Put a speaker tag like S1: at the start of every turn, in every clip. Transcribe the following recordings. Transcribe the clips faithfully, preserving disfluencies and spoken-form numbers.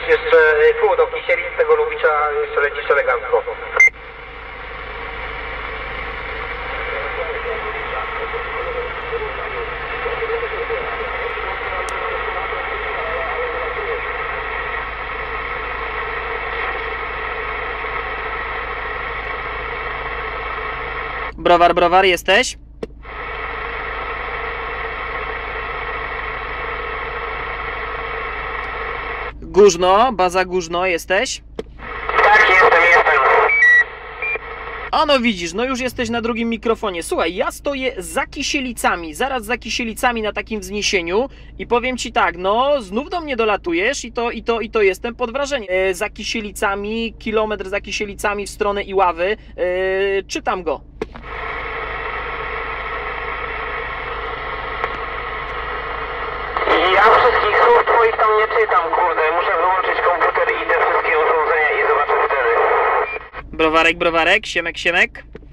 S1: jeszcze pół do Kisieli, z tego Lubicza jeszcze lecisz elegancko.
S2: Browar, browar, jesteś? Górzno, baza Górzno, jesteś?
S1: Tak, jestem, jestem.
S2: A no widzisz, no już jesteś na drugim mikrofonie. Słuchaj, ja stoję za Kisielicami, zaraz za Kisielicami na takim wzniesieniu i powiem ci tak, no znów do mnie dolatujesz i to, i to, i to jestem pod wrażeniem. E, za Kisielicami, kilometr za Kisielicami w stronę Iławy, e, czytam go.
S1: Ja wszystkich słów twoich tam nie czytam, kurde. Muszę wyłączyć komputer i te wszystkie urządzenia i zobaczę wtedy.
S2: Browarek, browarek, siemek, siemek.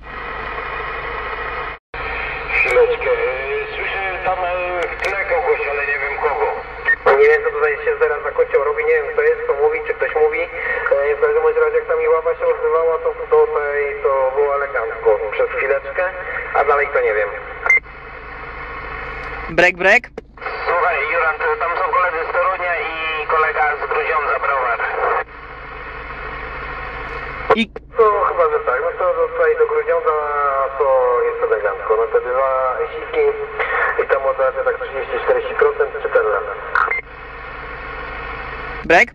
S3: Chwileczkę, słyszę tam w tle kogoś, ale nie wiem kogo.
S1: Nie wiem, co tutaj się zaraz za kocioł robi, nie wiem kto jest, kto mówi, czy ktoś mówi. W każdym razie jak tam Iława się odzywała, to tutaj to było elegancko przez chwileczkę, a dalej to nie wiem.
S2: Brek, brek.
S1: Słuchaj, Jurand, tam są koledzy z Torunia i kolega z Grudziądza, Browar.
S2: I...
S1: No chyba, że tak, no to tutaj do Grudziądza to jest elegancko, no te dwa siki i tam od razu tak trzydzieści do czterdziestu procent czy ten lata.
S2: Brek?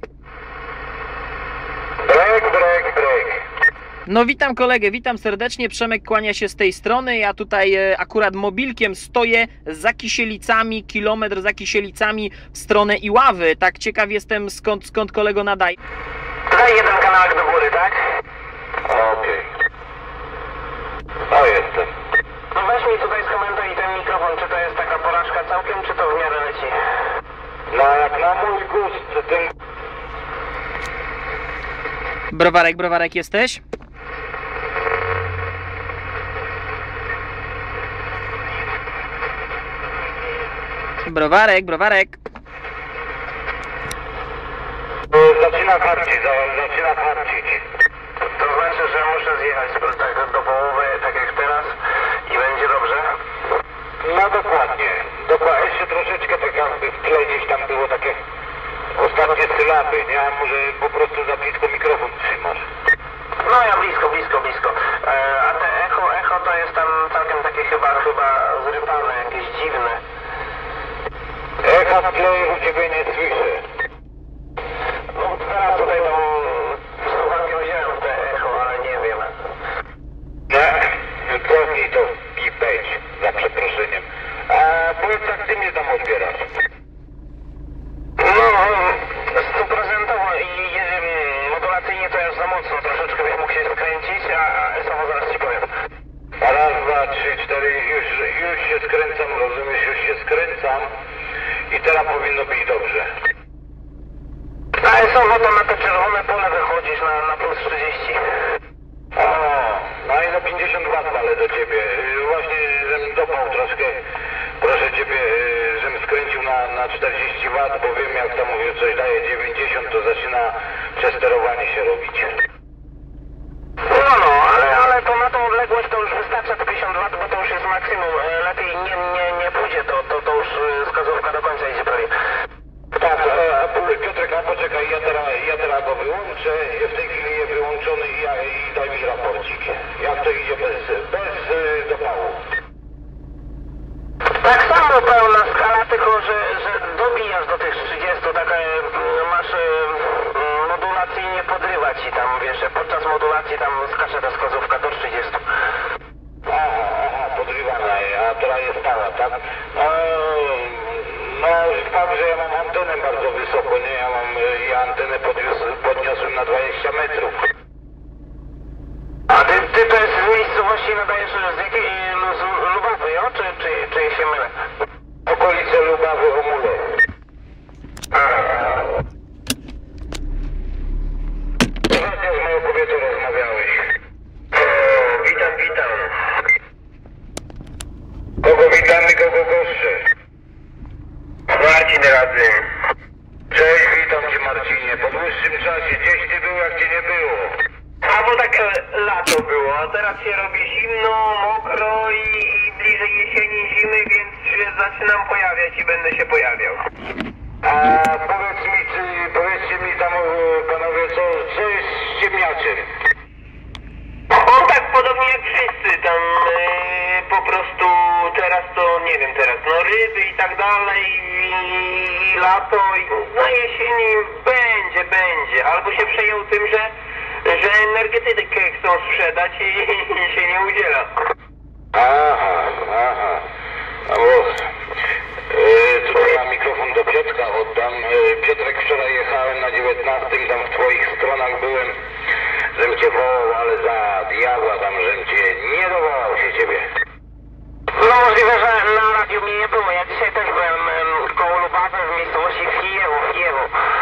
S3: Brek, brek, brek.
S2: No witam kolegę, witam serdecznie, Przemek kłania się z tej strony, ja tutaj e, akurat mobilkiem stoję za Kisielicami, kilometr za Kisielicami w stronę Iławy, tak ciekaw jestem skąd, skąd kolego nadaje.
S1: Daj jeden kanałek do góry, tak?
S3: Okej. O, jestem.
S1: No weź mi tutaj skomentuj ten mikrofon, czy to jest taka porażka całkiem, czy to w miarę leci?
S3: No jak na mój gust, ten...
S2: Browarek, browarek jesteś? Browarek, browarek.
S3: Zaczyna harczyć, zaczyna harczyć.
S1: To znaczy, że muszę zjechać tak do połowy, tak jak teraz i będzie dobrze?
S3: No dokładnie, dokładnie. Jeszcze troszeczkę tak jakby w tle gdzieś tam było takie ostatnie sylaby, nie? A może po prostu za blisko mikrofon trzymasz.
S1: No ja blisko, blisko, blisko. E, a te echo, echo to jest tam całkiem takie chyba, chyba zrypane, jakieś dziwne.
S3: Echa w tle u ciebie nie słyszę.
S1: No teraz tutaj tam słuchawki wziąłem te echo, ale nie wiem.
S3: Nie, cofnij to i wejdź, za przeproszeniem. A powiedz, jak ty mnie tam odbierasz?
S1: No, stuprocentowo i um, modulacyjnie to jest za mocno, troszeczkę bym mógł się skręcić, a esowo zaraz ci powiem.
S3: Raz, dwa, trzy, cztery, już, już się skręcam, rozumiesz, już się skręcam i teraz powinno być dobrze.
S1: A esowo to na te czerwone pole wychodzisz na, na plus trzydzieści.
S3: O, no i no pięćdziesiąt watów ale do ciebie. Właśnie, żebym dopał troszkę, proszę ciebie, żebym skręcił na, na czterdzieści watów, bo wiem, jak tam mówię, coś daje dziewięćdziesiąt, to zaczyna przesterowanie się robić.
S1: No, no, ale, ale to na tą odległość to już wystarcza te pięćdziesiąt watów, bo to już jest maksimum. Lepiej nie, nie, nie pójdzie, to, to, to już wskazówka do końca idzie prawie.
S3: Tak, a, a Piotrek, a poczekaj, ja teraz, ja teraz go wyłączę, w tej chwili jest wyłączony i, ja, i daj mi raporcik. Jak to idzie bez, bez y, dopału?
S1: Tak samo pełna skala, tylko że, że dobijasz do tych trzydziestu, tak e, masz e, modulacyjnie podrywać i tam, wiesz, podczas modulacji tam skacze ta wskazówka do trzydziestu.
S3: Aha, aha, podrywana, a teraz jest stała, tak? No, no fakt, że ja mam antenę bardzo wysoko, nie? Ja mam, ja antenę podniosłem, podniosłem na dwadzieścia metrów.
S1: A ty, ty to jest z miejscowości nadajesz z jakiej, z Lubawy, jo? Czy, czy, czy się mylę?
S3: Okolice Lubawy, Omule. Ostatnio z moją kobietą rozmawiałeś.
S1: O, witam, witam.
S3: Kogo witamy, kogo goszczę?
S1: Marcin Radzym.
S3: Cześć, witam cię tym czasie? Gdzieś ty był, jak cię nie było?
S1: A bo tak e, lato było, a teraz się robi zimno, mokro i, i bliżej jesieni, zimy, więc się zaczynam pojawiać i będę się pojawiał.
S3: A powiedz mi, czy, powiedzcie mi tam, e, panowie, co, co jest z ciemniaczem?
S1: On tak podobnie jak wszyscy, tam e, po prostu teraz to, nie wiem teraz, no ryby i tak dalej, i, i lato, i na jesieni będzie, będzie. Albo się przejął tym, że, że energetykę chcą sprzedać i, i się nie udziela.
S3: Aha, aha. No bo e, tutaj na mikrofon do Piotrka oddam. E, Piotrek, wczoraj jechałem na dziewiętnastym, tam w twoich stronach byłem, żem cię wołał, ale za diabła tam, żem cię nie dowołał się ciebie.
S1: No możliwe, że na radiu mnie nie było. Ja dzisiaj też byłem em, koło Lubawy w miejscowości Fijewo, Fijewo.